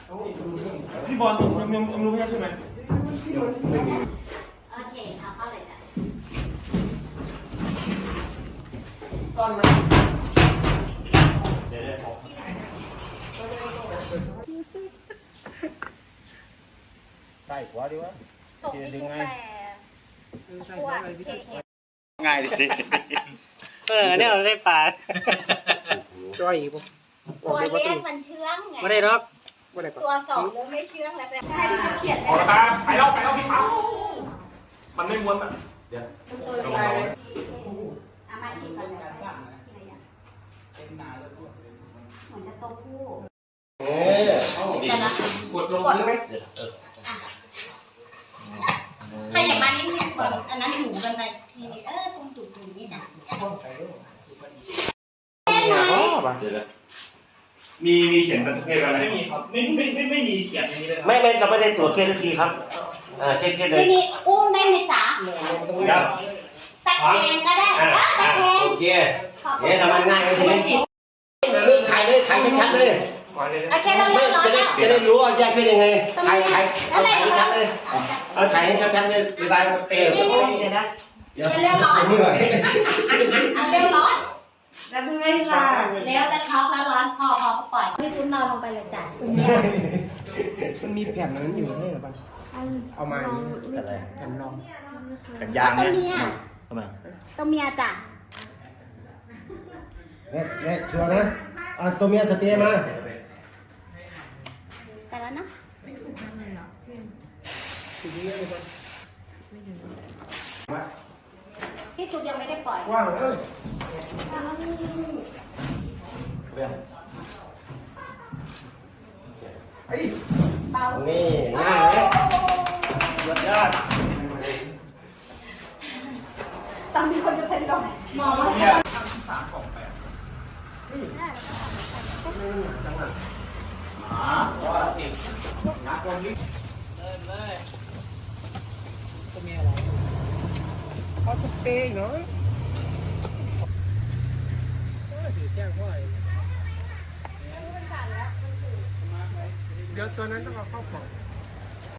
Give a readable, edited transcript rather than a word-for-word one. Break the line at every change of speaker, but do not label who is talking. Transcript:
พี่บอลยังรู้ใช่ไหม
โอเคเอาเข้าเลยจ้ะ
ตอนนั้นเดี๋ยวใส่หัวดีวะดึงไง
ง่ายดิสิ
เนี่ยเราได้ปลา
ตัวเล็กมันเชื่องไง
ไม่ได้หรอก
ตัวสองเริ่มไม่เชื่องแล้วแต่ให้พี่เขียนเล
เอา
ย
ละครับไปแล้วพี่ปั๊บมันไม่ม้วนอ่ะเดี๋ยว
เอามาชิมก่อนเลยเหมือนจะโตคู่แต่นะกดลงไหมขยับมานิดนึงก่อนอันนั้นหูกันไปทีนี้ตรงตุ่มนี่นะ
มีเขียนประเภทอะไรไม่มีครับไม่มีเขียนอย่างนี้เลย
ไม่เราไม่ได้ตรวจเคสทีครับเช็คเลย
ทีนี้อุ้มได้ไหมจ๊ะตะแคงก็ได้ตะแคง
โอเคเนี่ยทำมันง่ายเลยทีนี้ถ่ายเลยถ่ายชัดเลย
โอเคเราเล่นร้อนแล้ว
จะได้รู้ว่าแยกเป็นยังไงถ่ายชัดเลยถ่ายให้ชัดเลยเวลา
เร็วร้อนเร็วร้อนแล้วพี่ไม่ได้ค่ะแล้วจะช็อกแล้วร้อนพอก็ปล่อยพี่ชุนนอนลงไปเลยจ้ะ
มันมีแผ่นนั้นอยู่ใช่หรือเปล่าเอามาแผ่นรอง
แผ่นยางเนี่ยทำไม
ตัวเมียจ้ะ
เนี่ยชัวร์นะตัวเมียสเปรย์มา
แต่แล้วนะพี่ชุดยังไม่ได้ปล่อย
ว่าง
เบา
นี่ง่ายเลยยอดยอด
ต้องมีคนจะเป็นลมมอง
เนี่ย
เขาสเปรย์เนาะเดี๋ยวตัวนั้นต้องเอาเข้าของ